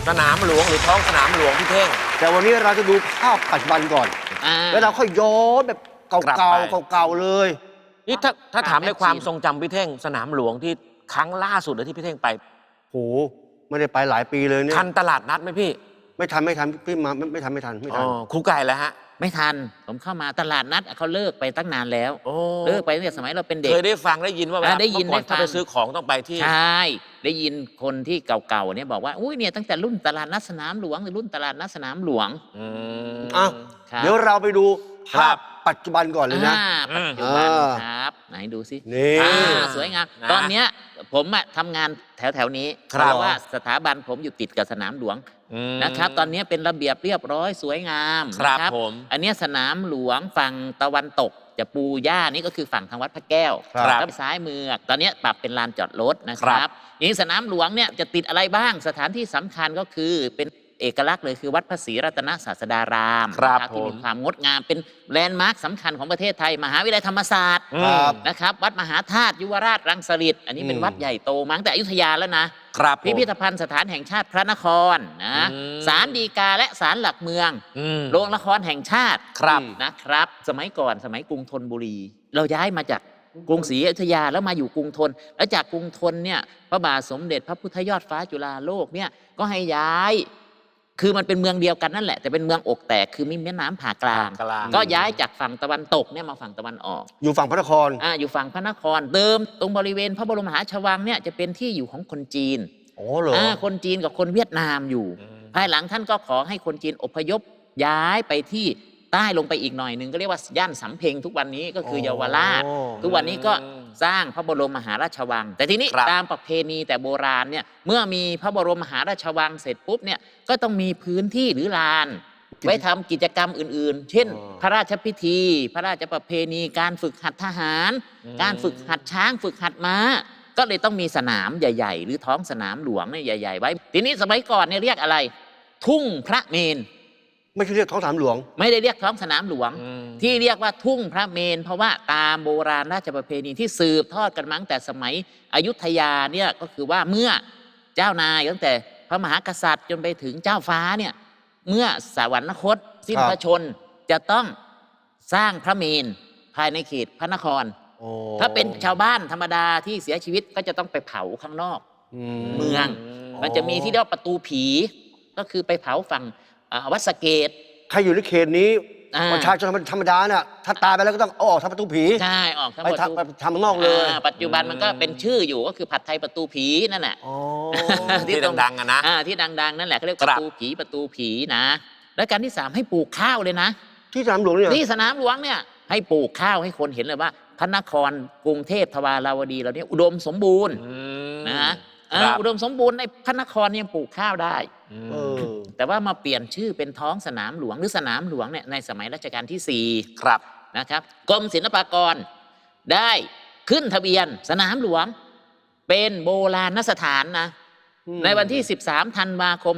สนามหลวงหรือท้องสนามหลวงพี่เท่งแต่วันนี้เราจะดูภาพปัจจุบันก่อนแล้วเราค่อยย้อนแบบเก่าๆเลยนี่ถ้าถามในความทรงจำพี่เท่งสนามหลวงที่ครั้งล่าสุดเลยที่พี่เท่งไปโหไม่ได้ไปหลายปีเลยเนี่ยทันตลาดนัดไหมพี่ไม่ทันพี่มาไม่ทันครูไก่แล้วฮะไม่ทันผมเข้ามาตลาดนัดเขาเลิกไปตั้งนานแล้วเลิกไปตั้งแต่สมัยเราเป็นเด็กเคยได้ฟังได้ยินว่าได้ยินก่อนถ้าไปซื้อของต้องไปที่ใช่ได้ยินคนที่เก่าๆเนี่ยบอกว่าอุ้ยเนี่ยตั้งแต่รุ่นตลาดนัดสนามหลวงหรือรุ่นตลาดนัดสนามหลวงเดี๋ยวเราไปดูภาพปัจจุบันก่อนเลยนะปัจจุบันครับไหนดูสินี่สวยงามตอนเนี้ยผมทำงานแถวนี้เพราะว่าสถาบันผมอยู่ติดกับสนามหลวงนะครับตอนนี้เป็นระเบียบเรียบร้อยสวยงามครับผมอันนี้สนามหลวงฝั่งตะวันตกจะปูหญ้านี่ก็คือฝั่งทางวัดพระแก้วแล้วซ้ายมือตอนนี้ปรับเป็นลานจอดรถนะครับนี่สนามหลวงเนี่ยจะติดอะไรบ้างสถานที่สำคัญก็คือเป็นเอกลักษณ์เลยคือวัดพระศรีรัตนศาสดารามที่มีความงดงามเป็นแลนด์มาร์คสำคัญของประเทศไทยมหาวิทยาลัยธรรมศาสตร์นะครับวัดมหาธาตุยุวราชรังสฤษฎ์อันนี้เป็นวัดใหญ่โตมาตั้งแต่อยุธยาแล้วนะพิพิธภัณฑ์สถานแห่งชาติพระนครนะศาลฎีกาและศาลหลักเมืองโรงละครแห่งชาตินะครับสมัยก่อนสมัยกรุงธนบุรีเราย้ายมาจากกรุงศรีอยุธยาแล้วมาอยู่กรุงธนแล้วจากกรุงธนเนี่ยพระบาทสมเด็จพระพุทธยอดฟ้าจุฬาโลกเนี่ยก็ให้ย้ายคือมันเป็นเมืองเดียวกันนั่นแหละแต่เป็นเมืองอกแตกคือมีแม่น้ำผ่ากลางก็ย้ายจากฝั่งตะวันตกเนี่ยมาฝั่งตะวันออกอยู่ฝั่งพระนครอยู่ฝั่งพระนครเดิมตรงบริเวณพระบรมมหาราชวังเนี่ยจะเป็นที่อยู่ของคนจีนเหรอคนจีนกับคนเวียดนามอยู่ภายหลังท่านก็ขอให้คนจีนอพยพย้ายไปที่ใต้ลงไปอีกหน่อยหนึ่งก็เรียกว่าย่านสำเพ็งทุกวันนี้ก็คือเยาวราชทุกวันนี้ก็สร้างพระบรมมหาราชวังแต่ทีนี้ตามประเพณีแต่โบราณเนี่ยเมื่อมีพระบรมมหาราชวังเสร็จปุ๊บเนี่ยก็ต้องมีพื้นที่หรือลานไว้ทำกิจกรรมอื่นๆเช่นพระราชพิธีพระราชประเพณีการฝึกหัดทหารการฝึกหัดช้างฝึกหัดม้าก็เลยต้องมีสนามใหญ่ๆหรือท้องสนามหลวงเนี่ยใหญ่ๆไว้ทีนี้สมัยก่อนเนี่ยเรียกอะไรทุ่งพระเมรุไม่ใช่เรียกท้องสนามหลวงไม่ได้เรียกท้องสนามหลวงที่เรียกว่าทุ่งพระเมรุเพราะว่าตามโบราณราชประเพณีที่สืบทอดกันมาตั้งแต่สมัยอยุธยาเนี่ยก็คือว่าเมื่อเจ้านายตั้งแต่พระมหากษัตริย์จนไปถึงเจ้าฟ้าเนี่ยเมื่อสวรรคตสิ้นพระชนจะต้องสร้างพระเมรุภายในเขตพระนครถ้าเป็นชาวบ้านธรรมดาที่เสียชีวิตก็จะต้องไปเผาข้างนอกเมืองมันจะมีที่เรียกว่าประตูผีก็คือไปเผาฝั่งวัดสะเกษใครอยู่ในเขตนี้ประชาชนธรรมดาเนี่ยถ้าตายไปแล้วก็ต้องออกทางประตูผีใช่ออกทางประตูไปทำข้างนอกเลยปัจจุบันมันก็เป็นชื่ออยู่ก็คือผัดไทยประตูผีนั่นแหละที่ดังๆนะที่ดังๆนั่นแหละเขาเรียกประตูผีนะและการที่3ให้ปลูกข้าวเลยนะที่สนามหลวงเนี่ยที่สนามหลวงเนี่ยให้ปลูกข้าวให้คนเห็นเลยว่าพระนครกรุงเทพทวาราวดีเราเนี่ยอุดมสมบูรณ์นะอุดมสมบูรณ์ในพระนครยังปลูกข้าวได้แต่ว่ามาเปลี่ยนชื่อเป็นท้องสนามหลวงหรือสนามหลวงเนี่ยในสมัยรัชกาลที่4 ครับนะครับกรมศิลปากรได้ขึ้นทะเบียนสนามหลวงเป็นโบราณสถานนะในวันที่13ธันวาคม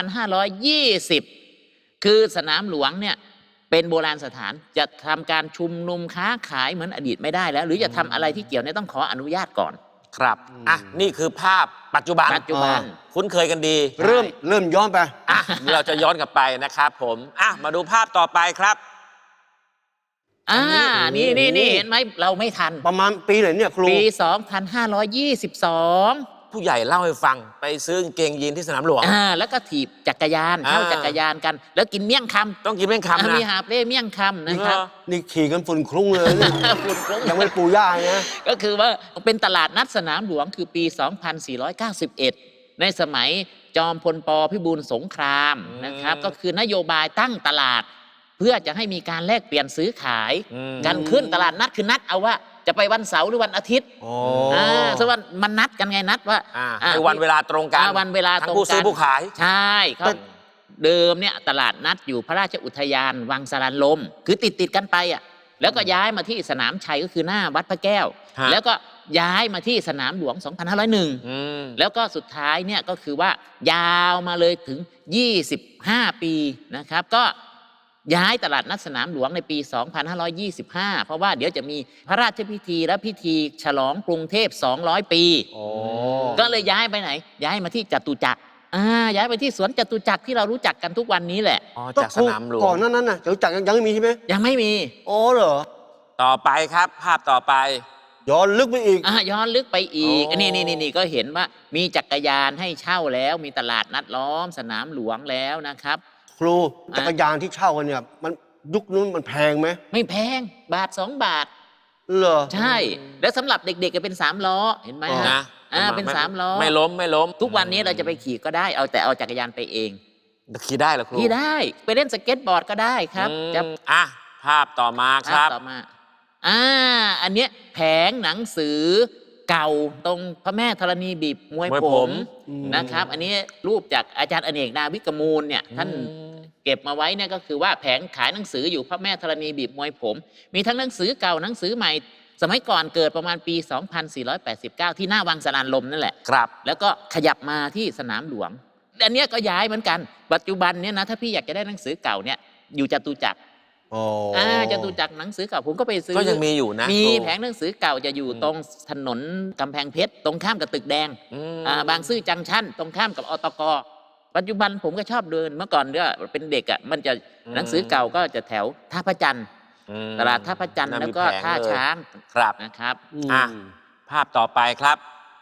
2520คือสนามหลวงเนี่ยเป็นโบราณสถานจะทำการชุมนุมค้าขายเหมือนอดีตไม่ได้แล้วหรือจะทำอะไรที่เกี่ยวเนี่ยต้องขออนุญาตก่อนครับนี่คือภาพปัจจุบันคุ้นเคยกันดีเริ่มย้อนไปเราจะย้อนกลับไปนะครับผมมาดูภาพต่อไปครับนี่เห็นไหมเราไม่ทันประมาณปีไหนเนี่ยครูปี2522 ผู้ใหญ่เล่าให้ฟังไปซื้อกางเกงยีนที่สนามหลวงแล้วก็ถีบจักรยานเข้าจักรยานกันแล้วกินเมี่ยงคำต้องกินเมี่ยงคำนะมีหาบเล่เมี่ยงคำนะครับนี่ขี่กันฝุ่นคลุ้งเลยฝุ่นคลุ้งยังไม่ปูย่านะก็คือว่าเป็นตลาดนัดสนามหลวงคือปี2491ในสมัยจอมพลป.พิบูลสงครามนะครับก็คือนโยบายตั้งตลาดเพื่อจะให้มีการแลกเปลี่ยนซื้อขายกันขึ้นตลาดนัดคือนัดเอาว่าจะไปวันเสาร์หรือวันอาทิตย์ซึ่งว่ามันนัดกันไงนัดว่าวันเวลาตรงกันวันเวลาตรงกันผู้ซื้อผู้ขายใช่ครับเดิมเนี่ยตลาดนัดอยู่พระราชอุทยานวังสารลมคือติดกันไปแล้วก็ย้ายมาที่สนามชัยก็คือหน้าวัดพระแก้วแล้วก็ย้ายมาที่สนามหลวง2501แล้วก็สุดท้ายเนี่ยก็คือว่ายาวมาเลยถึง25ปีนะครับก็ย้ายตลาดนัดสนามหลวงในปี2525เพราะว่าเดี๋ยวจะมีพระราชพิธีและพิธีฉลองกรุงเทพ200ปีก็เลยย้ายไปไหนย้ายมาที่จตุจักรย้ายไปที่สวนจตุจักรที่เรารู้จักกันทุกวันนี้แหละอ๋อก็จากสนามหลวงก่อนนั้นน่ะจักรยังไม่มีใช่ไหมยังไม่มีอ๋อเหรอต่อไปครับ ภาพต่อไปย้อนลึกไปอีกย้อนลึกไปอีกอ๋อนี่ก็เห็นว่ามีจักรยานให้เช่าแล้วมีตลาดนัดล้อมสนามหลวงแล้วนะครับครูจักรยานที่เช่ากันเนี่ยมันยุคนู้นมันแพงไหมไม่แพงบาท2 บาทเหรอใช่ แล้วสำหรับเด็กๆก็เป็น3 ล้อเห็นไหมอ๋อฮะนะเป็น3 ล้อไม่ล้มไม่ล้มทุกวันนี้เราจะไปขี่ก็ได้แต่เอาจักรยานไปเองขี่ได้เหรอครูขี่ได้ไปเล่นสเก็ตบอร์ดก็ได้ครับอืมจะอ่ะภาพต่อมาครับต่อมาอันเนี้ยแผงหนังสือเก่าตรงพระแม่ธรณีบีบมวยมวยผผม มนะครับ อันนี้รูปจากอาจารย์อเนกนาวิกมูลเนี่ยท่านเก็บมาไว้เนี่ยก็คือว่าแผงขายหนังสืออยู่พระแม่ธรณีบีบมวยผม มีทั้งหนังสือเก่าหนังสือใหม่ สมัยก่อนเกิดประมาณปี 2489 ที่หน้าวังสนานลมนั่นแหละครับแล้วก็ขยับมาที่สนามหลวงอันเนี้ยก็ย้ายเหมือนกัน ปัจจุบันเนี่ยนะถ้าพี่อยากจะได้หนังสือเก่าเนี่ยอยู่จตุจักรอ๋อจตุจักรหนังสือเก่าผมก็ไปซื้อก็ยังมีอยู่นะมีครูแผงหนังสือเก่าจะอยู่ตรงถนนกำแพงเพชรตรงข้ามกับตึกแดงอืมบางซื่อจังชั่นตรงข้ามกับอตกปัจจุบันผมก็ชอบเดินเมื่อก่อนเนี่ยเป็นเด็กอ่ะมันจะหนังสือเก่าก็จะแถวท่าพระจันทร์อืมตลาดท่าพระจันทร์น่แล้วมีก็ผงท่าเลยช้างครับนะครับอ่ะ ภาพต่อไปครับ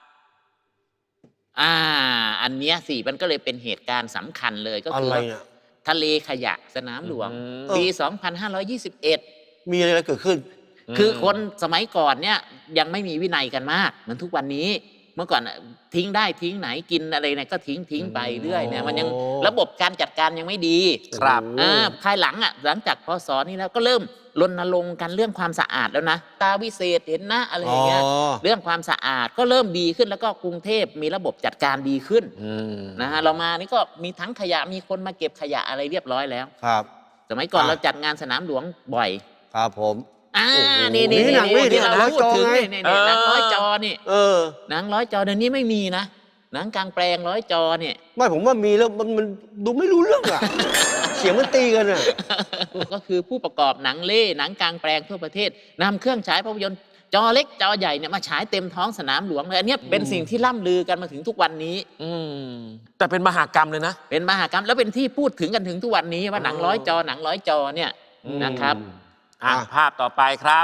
อันเนี้ยสิมันก็เลยเป็นเหตุการณ์สำคัญเลยก็อะคือไรว่าเนี่ยทะเลขยะสนามหลวงอืมปี 2521 มีอะไรเกิดขึ้นคือคนสมัยก่อนเนี่ยยังไม่มีวินัยกันมากเหมือนทุกวันนี้ เมื่อก่อนทิ้งได้ทิ้งไหนกินอะไรเนี่ยก็ทิ้งไปเรื่อยเนี่ยมันยังโอ้ระบบการจัดการยังไม่ดีครับภายหลังหลังจากพศนี้แล้วก็เริ่มรณรงค์กันเรื่องความสะอาดแล้วนะตาวิเศษเห็นนะอะไรอย่างเงี้ยเรื่องความสะอาดก็เริ่มดีขึ้นแล้วก็กรุงเทพมีระบบจัดการดีขึ้นอืมนะฮะเรามานี่ก็มีทั้งขยะมีคนมาเก็บขยะอะไรเรียบร้อยแล้วครับสมัยก่อนอ่ะเราจัดงานสนามหลวงบ่อยครับผมโอ้โหนี่นี่หนังนี่ที่เราหนังพูดถึงจอไงนี่หนังร้อยจอนี่เออหนังร้อยจอเดี๋ยวนี้ไม่มีนะหนังกลางแปลงร้อยจอเนี่ยไม่ผมว่ามีแล้วมันดูไม่รู้เรื่องอ่ะ เสียงมันตีกันอ่ะก็คือผู้ประกอบหนังเล่หนังกลางแปลงทั่วประเทศนำเครื่องฉายภาพยนตร์จอเล็กจอใหญ่เนี่ยมาฉายเต็มท้องสนามหลวงเลยอันเนี้ยเป็นสิ่งที่ล่ำลือกันมาถึงทุกวันนี้อืมแต่เป็นมหากรรมเลยนะเป็นมหากรรมแล้วเป็นที่พูดถึงกันถึงทุกวันนี้ว่าหนังร้อยจอหนังร้อยจอเนี่ยนะครับอ่ะอ่ะภาพต่อไปครับ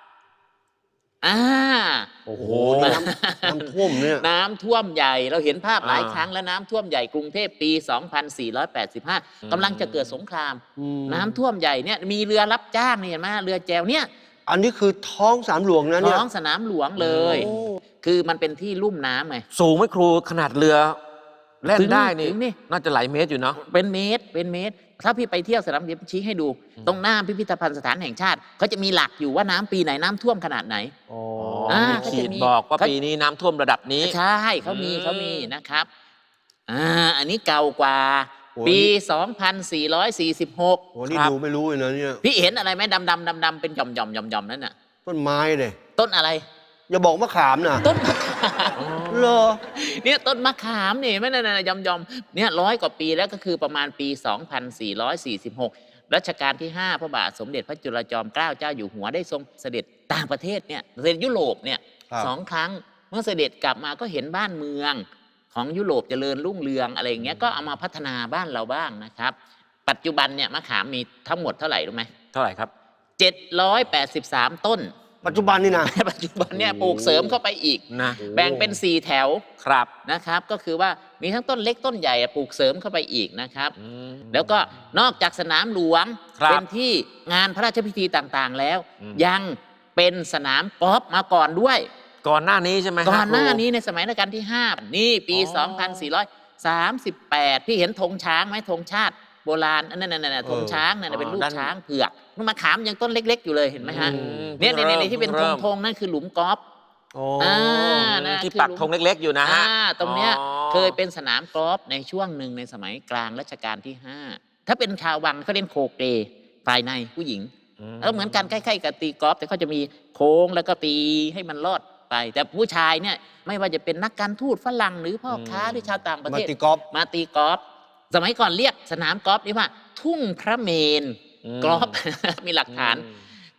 โอ้โหน้ำท่วมเนี่ยน้ำท่วมใหญ่เราเห็นภาพหลายอ่าครั้งแล้วน้ำท่วมใหญ่กรุงเทพปี 2485 กำลังจะเกิดสงคราม น้ำท่วมใหญ่เนี่ยมีเรือรับจ้างนี่เห็นไหมเรือแจวเนี่ยอันนี้คือท้องสามหลวงนะเนี่ยท้องสนามหลวงเลยโอ้คือมันเป็นที่ลุ่มน้ำไงสูงไหมครูขนาดเรือแล่นถึงได้นี่ถึงนี่น่าจะหลายเมตรอยู่เนาะเป็นเมตรเป็นเมตร ถ้าพี่ไปเที่ยวสนามเดี๋ยวชี้ให้ดู ตรงหน้าพิพิธภัณฑ์สถานแห่งชาติเขาจะมีหลักอยู่ว่าน้ำปีไหนน้ำท่วมขนาดไหนอ๋ออ่ามีขีดบอกว่าปีนี้น้ำท่วมระดับนี้ใช่เขามีอืมเขามีนะครับอันนี้เก่ากว่า ปี 2446 โอ้นี่ครับดูไม่รู้เลยนะเนี่ยพี่เห็นอะไรไหมดำเป็นหย่อมนั่นน่ะต้นไม้เลยต้นอะไรอย่าบอกมะขามนะต้นมะขามเหรอเนี่ยต้นมะขามนี่ไม่นั่นหย่อมเนี่ย100 กว่าปีแล้วก็คือประมาณปี 2446 รัชกาลที่ 5 พระบาทสมเด็จพระจุลจอมเกล้าเจ้าอยู่หัวได้ทรงเสด็จต่างประเทศเนี่ยเสด็จยุโรปเนี่ยครับ 2 ครั้งเมื่อเสด็จกลับมาก็เห็นบ้านเมืองของยุโรปเจริญรุ่งเรืองอะไรอย่างเงี้ยก็เอามาพัฒนาบ้านเราบ้างนะครับ ปัจจุบันเนี่ยมะขามมีทั้งหมดเท่าไหร่รู้ไหมเท่าไหร่ครับ 783 ต้นปัจจุบันนี่นะปัจจุบันเนี่ยปลูกเสริมเข้าไปอีกนะแบ่งเป็น 4 แถวครับนะครับ ก็คือว่ามีทั้งต้นเล็กต้นใหญ่ปลูกเสริมเข้าไปอีกนะครับอืมแล้วก็นอกจากสนามหลวงครับเป็นที่งานพระราชพิธีต่างๆแล้วอืมยังเป็นสนามกอล์ฟมาก่อนด้วยก่อนหน้านี้ใช่ไหมฮะก่อนหน้าครูนี้ในสมัยรัชกาลที่ 5 นี่ปีอ๋อ 2438 พี่เห็นธงช้างไหมธงชาติโบราณอันนั่นธงช้างนั่นเป็นรูปช้างเผือกมะขามยังต้นเล็ก ๆ อยู่เลยเห็นไหมฮะอืมเนี่ยพิ่งริ่มที่เป็นธริ่งมธงนั่นคือหลุมกอล์ฟอ๋อนะที่คือปักธงเล็ก ๆ อยู่นะฮะตรงเนี้ยอ๋อเคยเป็นสนามกอล์ฟในช่วงหนึ่งในสมัยกลางรัชกาลที่ 5 ถ้าเป็นชาววังเขาเล่นโคเกรภายในผู้หญิงแล้วเหมือนกันใกล้ๆกับตีกอล์ฟแต่เขาจะมีโค้งแล้วก็ตีให้มันรอดไป แต่ผู้ชายเนี่ยไม่ว่าจะเป็นนักการทูตฝรั่งหรือพ่อค้าหรือชาวต่างประมาเทศตีกอล์ฟมาตีกอล์ฟสมัยก่อนเรียกสนามกอล์ฟนี่ว่า ทุ่งพระเมนอืมกอล์ฟ มีหลักฐานอืม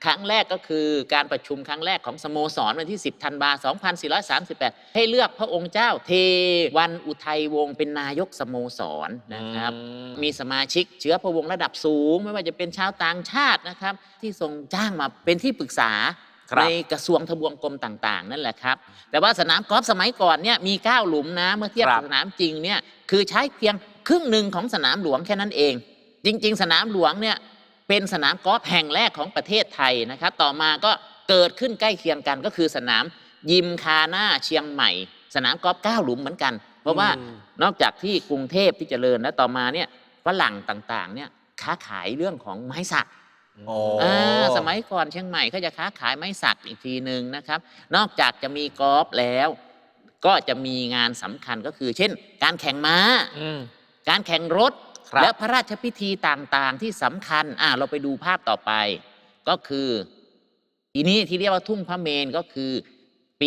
ครั้งแรกก็คือการประชุมครั้งแรกของสโมสรวันที่ 10 ธันวาคม 2438 ให้เลือกพระองค์เจ้าเทวันอุทัยวงศ์เป็นนายกสโมสรนะครับมีสมาชิกเชื้อพระวงศ์ระดับสูงไม่ว่าจะเป็นชาวต่างชาตินะครับที่ทรงจ้างมาเป็นที่ปรึกษาในกระทรวงทบวงกรมต่างๆนั่นแหละครับแต่ว่าสนามกอล์ฟสมัยก่อนเนี่ยมี9หลุมนะเมื่อเทียบกับสนามจริงเนี่ยคือใช้เพียงครึ่งหนึ่งของสนามหลวงแค่นั้นเองจริงๆสนามหลวงเนี่ยเป็นสนามกอล์ฟแห่งแรกของประเทศไทยนะครับต่อมาก็เกิดขึ้นใกล้เคียงกันก็คือสนามยิมคาน่าเชียงใหม่สนามกอล์ฟ9หลุมเหมือนกันเพราะว่านอกจากที่กรุงเทพที่เจริญแล้วต่อมาเนี่ยฝรั่งต่างๆเนี่ยค้าขายเรื่องของไม้สักสมัยก่อนเชียงใหม่เขาจะค้าขายไม้สักอีกทีหนึ่งนะครับนอกจากจะมีกอล์ฟแล้วก็จะมีงานสำคัญก็คือเช่นการแข่งม้าการแข่งรถและพระราชพิธีต่างๆที่สำคัญเราไปดูภาพต่อไปก็คือทีนี้ที่เรียกว่าทุ่งพระเมรุก็คือปี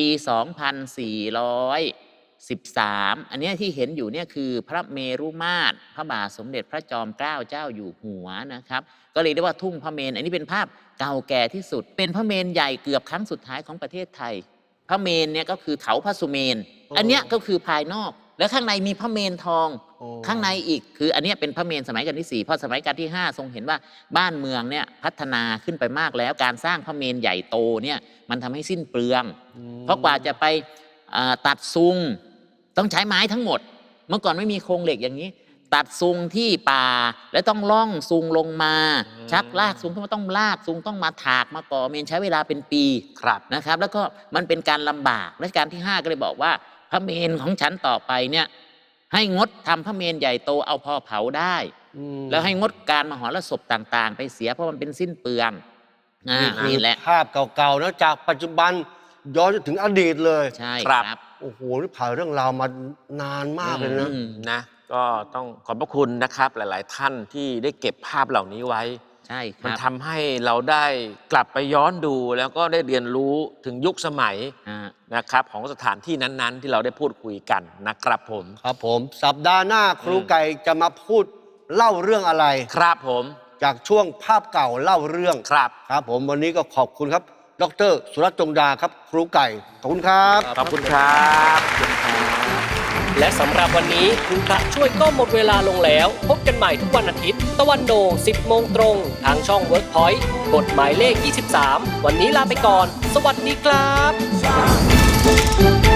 2413 อันนี้ที่เห็นอยู่เนี่ยคือพระเมรุมาตรพระบาทสมเด็จพระจอมเกล้าเจ้าอยู่หัวนะครับก็เลยเรียกว่าทุ่งพระเมรุอันนี้เป็นภาพเก่าแก่ที่สุดเป็นพระเมรุใหญ่เกือบครั้งสุดท้ายของประเทศไทยพระเมรุเนี่ยก็คือเถาพระสุเมรุอันเนี้ยก็คือภายนอกแล้วข้างในมีพระเมรุทองข้างในอีกคืออันนี้เป็นพระเมรุสมัยรัชกาลที่4พอสมัยรัชกาลที่5ทรงเห็นว่าบ้านเมืองเนี่ยพัฒนาขึ้นไปมากแล้วการสร้างพระเมรุใหญ่โตเนี่ยมันทำให้สิ้นเปลืองเพราะกว่าจะไปตัดซุงต้องใช้ไม้ทั้งหมดเมื่อก่อนไม่มีโครงเหล็กอย่างนี้ตัดซุงที่ป่าแล้วต้องล่องซุงลงมาชักลากซุงต้องลากซุงต้องมาถากมาก่อเมรุใช้เวลาเป็นปีนะครับแล้วก็มันเป็นการลำบากรัชกาลที่5ก็เลยบอกว่าพระเมรุของฉันต่อไปเนี่ยให้งดทำพระเมรุใหญ่โตเอาพอเผาได้แล้วให้งดการมหรสพต่างๆไปเสียเพราะมันเป็นสิ้นเปลืองนี่แหละภาพเก่าๆนะจากปัจจุบันย้อนถึงอดีตเลยใช่ครับโอ้โหนี่ผ่านเรื่องราวมานานมากเลยนะก็ต้องขอบพระคุณนะครับหลายๆท่านที่ได้เก็บภาพเหล่านี้ไว้ใช่ครับมันทำให้เราได้กลับไปย้อนดูแล้วก็ได้เรียนรู้ถึงยุคสมัยนะครับของสถานที่นั้นๆที่เราได้พูดคุยกันนะครับผมครับผมสัปดาห์หน้าครูไก่จะมาพูดเล่าเรื่องอะไรครับผมจากช่วงภาพเก่าเล่าเรื่องครับผมวันนี้ก็ขอบคุณครับดร.สุรัตน์จงดาครับครูไก่ขอบคุณครับขอบคุณครับและสำหรับวันนี้คุณพระช่วยก็หมดเวลาลงแล้วพบกันใหม่ทุกวันอาทิตย์ตะวันโด่ง 10 โมงตรงทางช่อง Workpoint กฎหมายเลข 23 วันนี้ลาไปก่อนสวัสดีครับ